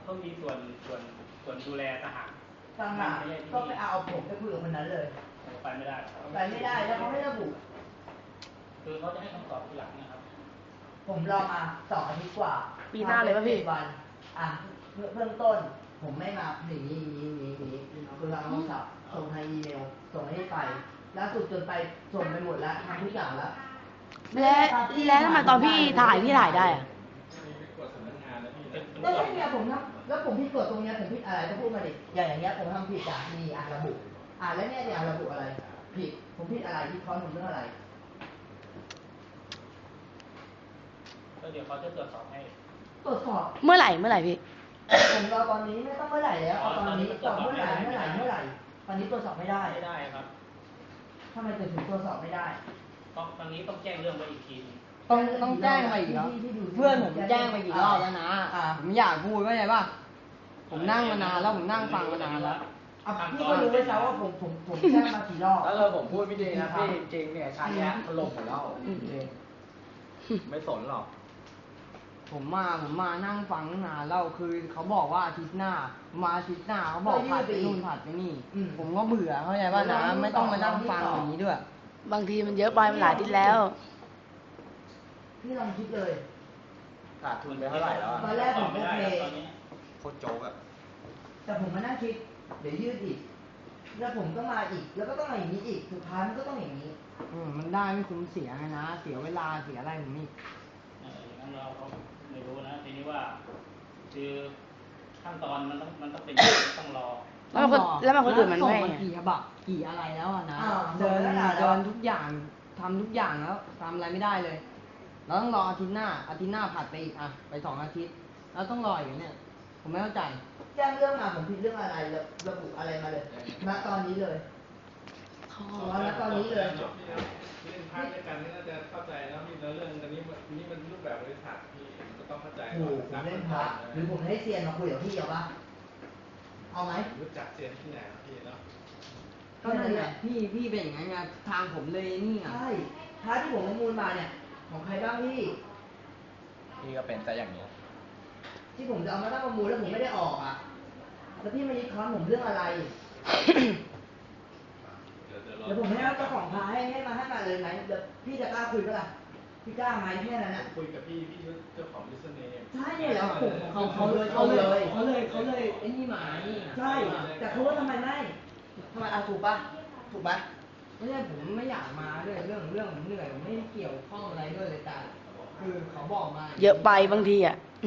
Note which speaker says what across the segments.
Speaker 1: เขามีส่วนดูแลทหาร
Speaker 2: ก็ไปเอาผมไปคุยกับคนนั้นเลย
Speaker 1: ไปไม่ได้
Speaker 2: แล้วเขาไม่ระบุ
Speaker 1: คือเขาจะให้คำตอบทีหลังนะครับ
Speaker 2: ผมรอมา2 อาทิตย์กว่า
Speaker 3: ปีหน้าเลยป่ะพี่
Speaker 2: วันเบื้องต้นผมไม่มาหนีคือทางโทรศัพท์ส่งทางอีเมลส่งให้ไปล่าสุดจนไปส่งไปหมดแล้วทำทุกอย่างแล้ว
Speaker 3: แล้วทำไมตอนพี่ถ่ายได้อะ
Speaker 2: แล้วเนี่ยผมทำแล้วผมผิดกฎตรงเนี้ยผมผิดอะไรก็พูดมาดิอย่างเงี้ยผมทำผิดมีระบุแล้วเนี่ยระบุอะไรผิดผมผิดอะไรที่เขาทำเรื่องอะไร
Speaker 1: ก็เดี๋ยวเขาจะตรวจสอบให้
Speaker 2: ตรวจสอบ
Speaker 3: เมื่อไหร่พี่
Speaker 2: ผมรอตอนนี้ไม่ต้องเมื่อไหร่แล้วตอนนี้ตอบเมื่อไหร่ตอนนี้ตรวจสอบไม่ได้
Speaker 1: ครับ
Speaker 2: ทำไมถึงตรวจสอบไม่ได้
Speaker 1: ตอนนี้ต้องแจ้งเรื่องไปอีกที
Speaker 4: ต้องแจ้งไปอีกแล้วเพื่อนผมแจ้งไปกี่รอบแล้วนะผมอยากพูดว่าไงป่ะผมนั่งมานานแล้วผมนั่งฟังมานานแล้ว
Speaker 2: พี่ก็รู้ไว้แล้วว่าผมแจ้งมากี่รอบ
Speaker 4: แล้วผมพูดไม่ดีนะพี่จริงเนี่ยชาแย่ถล่มหมดแล้วไม่สนหรอกผมมานั่งฟังนานแล้วคือเขาบอกว่าอาทิตย์หน้าเขาบอกผัดไปนู่นผัดไปนี่ผมก็เบื่อเข้าใจป่ะนะไม่ต้องมานั่งฟังอย่างนี้ด้วย
Speaker 3: บางทีมันเยอะไปมันหลายทิศแล้ว
Speaker 2: พี่ลองคิดเลย
Speaker 4: ขาดทุนไปเท่าไหร่แล้ว
Speaker 2: ตอนแรกผมโอเค
Speaker 4: โคตรโจ๊กอะ
Speaker 2: แต่ผมมานั่งคิดเดี๋ยวยืดอีกแล้วผมก็มาอีกแล้วก็ต้องมาอย่างนี้อีกสุดท้ายมันก็ต้องอย่างนี้
Speaker 4: มันได้ไม่คุ้มเสียนะเสียเวลาเสียอะไรผมนี่
Speaker 1: อย่างนั้นเราไม่รู้นะทีนี้ว่าคือขั้นตอนมันต้องเป็นต้องรอ
Speaker 3: แล้วมันคนอื่นมันไม่
Speaker 4: กี่ฉบับกี่อะไรแล้วนะเดินทุกอย่างทำทุกอย่างแล้วทำอะไรไม่ได้เลยเราต้องรออาทิตย์หน้าผัดไปอีกไป2 อาทิตย์แล้วต้องรออย่างเนี้ยผมไม่เข้าใจ
Speaker 2: แจ้งเรื่องมาผมผิดเรื่องอะไรระบุอะไรมาเลยณตอนนี้เลยณตอนนี้เลย
Speaker 5: เล่นพาร์ทด้วยกันนี่น่าจะเข้าใจแล้วมีเรื่องอันนี้มันรูปแบบบริษัทที่ก็ต้องเข้าใจ
Speaker 2: ผมเล่นพาร์ทหรือผมให้เซียนมาคุยกับพี่เอาปะเอาไหม
Speaker 5: รู้จักเซียนที่ไหนพี่เนาะ
Speaker 4: ก็นั่นแหละพี่เป็นอย่างนั้นไงทางผมเลยนี่
Speaker 2: ใช่พาร์ทที่ผมประมูลมาเนี่ยของใครบ้างพี่
Speaker 4: ก็เป็นแต่อย่างนี้
Speaker 2: ที่ผมจะเอามาตั้งประมูลแล้วผมไม่ได้ออกแล้วพี่มายึดคอนผมเรื่องอะไรเดี๋ยวผมให้เจ้าของพาให้มาเลยไหมเดี๋ยวพี่จะกล้าคุยปะล่ะพี่กล้าไหมแค่นั้นนะ
Speaker 5: คุยกับพี่เจ้าของบิสเนส
Speaker 2: ใช่เนี่ยแล้วเขาเลยไอ้นี่หมานี่ใช่แต่เขาว่าทำไมถูกปะ
Speaker 4: ไม่ใช่ผมไม่อยากมาด้วยเรื่องผมเหนื่อยผมไม่เกี่ยวข้องอะไรด้วยเลยแต่คือเขาบอกมา
Speaker 3: เยอะไปบางที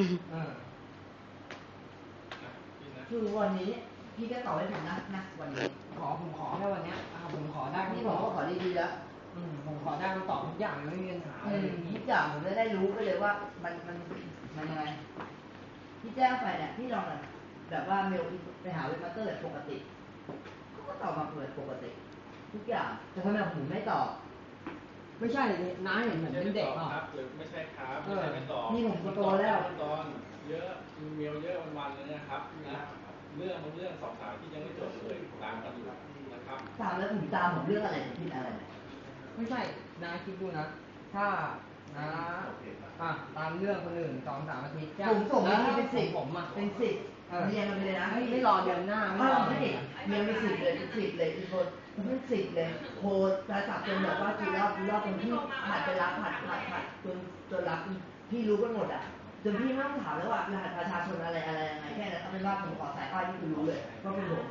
Speaker 2: คือวันนี้พี่ก็ตอบให้ผมนะวันนี้
Speaker 4: ผมขอแค่วันนี้ผมขอได้
Speaker 2: นี่ผมก็ขอดีๆแล้ว
Speaker 4: ผมขอได้คำตอบทุกอย่างไม่มีปัญหา
Speaker 2: ทุกอย่างผมจะได้รู้ไปเลยว่ามันยังไงพี่แจ้งไปเนี่ยพี่ลองแบบว่าเมลไปหาเว็บมาสเตอร์แบบปกติเขาก็ตอบมาเปิดปกติทุกอย่างแต่ทำไมผมไม่ตอบ
Speaker 4: ไม่ใช่น้าเห็นผมเป็นเด็กเปล่า
Speaker 5: หรือไม่ใช่ครับไม่ตอบ
Speaker 2: นี่ผมโตแล้ว
Speaker 5: ตอนเยอะเมลเยอะวันๆเลยนะครับเรื่อง2-3ที่ยังไม่จบเลยตามกันอยู่นะครับ
Speaker 2: ตามแล้วผมตามผมเรื่องอะไรผิดอะไร
Speaker 4: ไม่ใช่น้าคิดดูนะถ้าน้าตามเรื่องคนอื่น2-3 อาทิตย์
Speaker 2: ผมส่งให้เป็น10
Speaker 4: ผม
Speaker 2: เป็น10เรียนมาเลยนะ
Speaker 4: ไม่รอเดือนหน้า
Speaker 2: ไม่รอไม่ติดเรียนไป10เลยเลยอีกคนเป็น10เลยโคตรจะสับจนแบบว่ากี่รอบจนที่ผัดไปรับผัดจนรับพี่รู้กันหมดจนพี่ไม่ต้องถามแล้วว่ารหัสประชาชนอะไรยังไงแค่นั้นเอาเป็นว่าผมขอสายป้ายที่คุณรู้เลยก็เป็นผม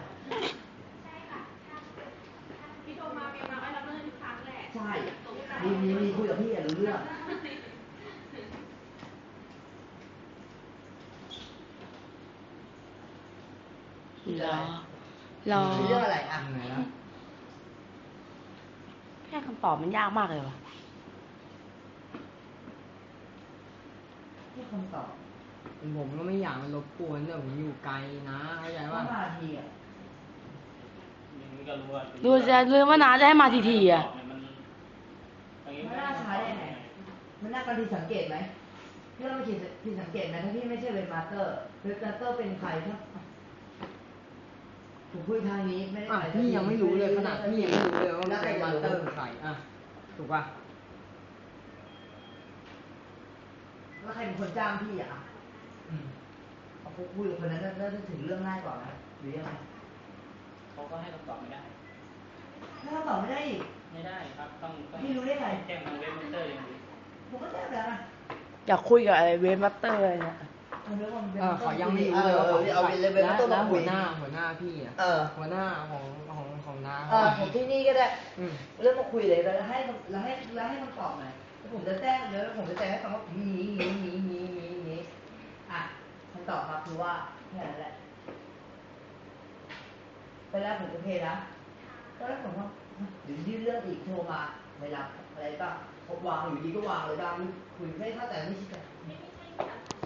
Speaker 6: พี่โทรมาเป็นมาให้เราเรื่องทุกครั้งแหละ
Speaker 2: ใช่มีคุยกับพี่รู้เรื่อง
Speaker 3: รอ
Speaker 2: เรื่องอะไร
Speaker 3: แค่คำตอบมันยากมากเลยว่ะ
Speaker 2: แค่คำตอบ
Speaker 4: ผมก็ไม่อยากมารบกวนเนี่ยผมอยู่ไกลนะเข้าใจว่า
Speaker 2: ที
Speaker 3: ดูจะลืมว่าน้าจะให้มาที
Speaker 2: มันน่าใช้ได้ไงมันน่าการที่สังเกตไหมพี่เราไม่คิดที่สังเกตไหมถ้าพี่ไม่ใช่เป็นมาสเตอร์เป็นใครครับผมคุยทางนี้ไม่ได้
Speaker 4: พี่ยังไม่รู้เลยขนาดพี่ยังไม่รู้เลยว่าเป็นมาสเตอร์เป็นใครถูกป่ะ
Speaker 2: แล้วใครเป็นคนจ้างพี่คุยกับคนนั้นน่าจะถึงเรื่องง่ายกว่านะหรือยังไง
Speaker 1: เขาก็ให้คำตอบไม่ได้
Speaker 2: ถ้าเราตอบไม่ได้อีก
Speaker 1: ไม่ได้ครับต้อง
Speaker 2: พี่รู้ได้ไง
Speaker 1: แจ้งทางเว็บมอนเตอร์อย่างเดียว
Speaker 2: ผมก็แจ้งไปแล้วนะ
Speaker 3: อยากคุยกับอะไรเวฟมัตเตอร์อะไรเนี่ย
Speaker 4: เขายังไม่รู้เลยว่า
Speaker 2: เอาไปเลยไม่ต้อง
Speaker 4: แล้ว
Speaker 2: มาคุ
Speaker 4: หั
Speaker 2: ยว
Speaker 4: หน้าพี่อ่ะ หัวหน้าของน้า
Speaker 2: ผมที่นี่ก็ได้
Speaker 4: อืม
Speaker 2: เรื่องมาคุยเลยแล้วให้มันตอบหน่อยแล้วผมจะแจ้งแล้วผมจะแจ้งให้ฟังว่านี้อ่ะคำตอบมาคือว่าแค่นั้นแหละไปแล้วผมโอเคนะก็แล้วผมว่าเดี๋ยวยื่นเรื่องอีกโทรมาไม่รับอะไรบ้างวางอยู่ดีก็วางเลยบ้างคุยไม่เข้าใจไม่ชิดกัน
Speaker 6: ไม่ใช่